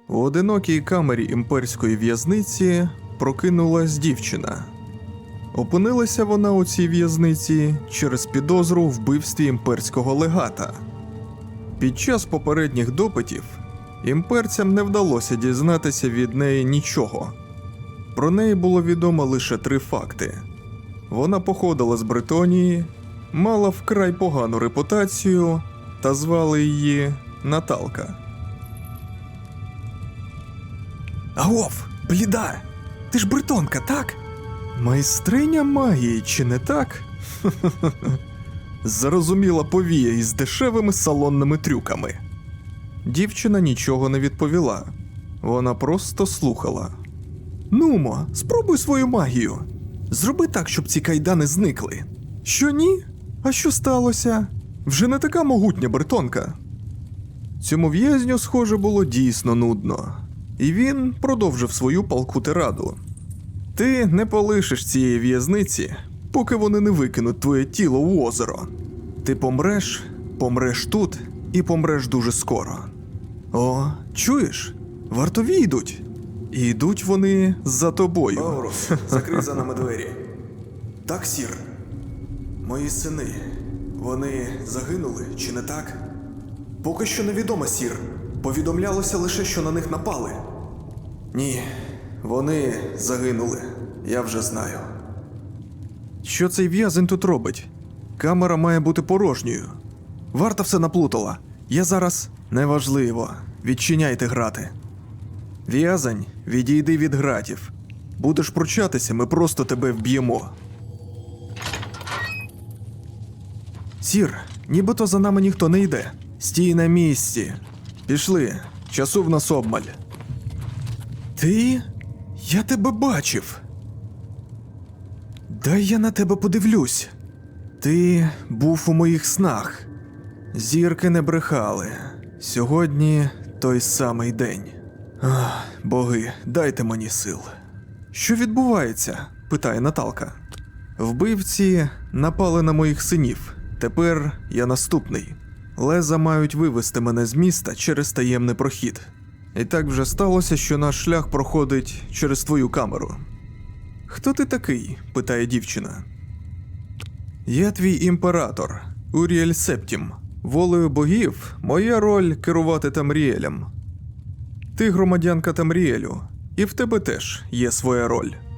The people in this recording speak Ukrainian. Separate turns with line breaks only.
У одинокій камері імперської в'язниці прокинулась дівчина. Опинилася вона у цій в'язниці через підозру у вбивстві імперського легата. Під час попередніх допитів імперцям не вдалося дізнатися від неї нічого. Про неї було відомо лише 3 факти. Вона походила з Бретонії, мала вкрай погану репутацію та звали її Наталка.
Агов, бліда! Ти ж бретонка, так?
Майстриня магії, чи не так? Зарозуміла повія із дешевими салонними трюками. Дівчина нічого не відповіла. Вона просто слухала.
Нумо, спробуй свою магію. Зроби так, щоб ці кайдани зникли.
Що ні? А що сталося? Вже не така могутня бретонка. Цьому в'язню, схоже, було дійсно нудно. І він продовжив свою палку тираду. Ти не полишиш цієї в'язниці, поки вони не викинуть твоє тіло в озеро. Ти помреш тут і помреш дуже скоро. О, чуєш? Вартові йдуть. І йдуть вони за тобою.
Аурус, закрий за нами двері. Так, сір. Мої сини, вони загинули, чи не так? Поки що невідомо, сір. Повідомлялося лише, що на них напали. Ні, вони загинули. Я вже знаю.
Що цей в'язень тут робить? Камера має бути порожньою.
Варта все наплутала. Я зараз...
Неважливо. Відчиняйте грати. В'язень, відійди від гратів. Будеш пручатися, ми просто тебе вб'ємо.
Сір, нібито за нами ніхто не йде.
Стій на місці. Пішли. Часу в нас обмаль.
Ти? Я тебе бачив. Дай я на тебе подивлюсь.
Ти був у моїх снах. Зірки не брехали. Сьогодні той самий день. Ах, боги, дайте мені сил. Що відбувається? Питає Наталка. Вбивці напали на моїх синів. Тепер я наступний. Леза мають вивести мене з міста через таємний прохід. І так вже сталося, що наш шлях проходить через твою камеру. Хто ти такий? Питає дівчина. Я твій імператор, Уріель Септім. Волею богів моя роль керувати Тамріелем. Ти громадянка Тамріелю, і в тебе теж є своя роль.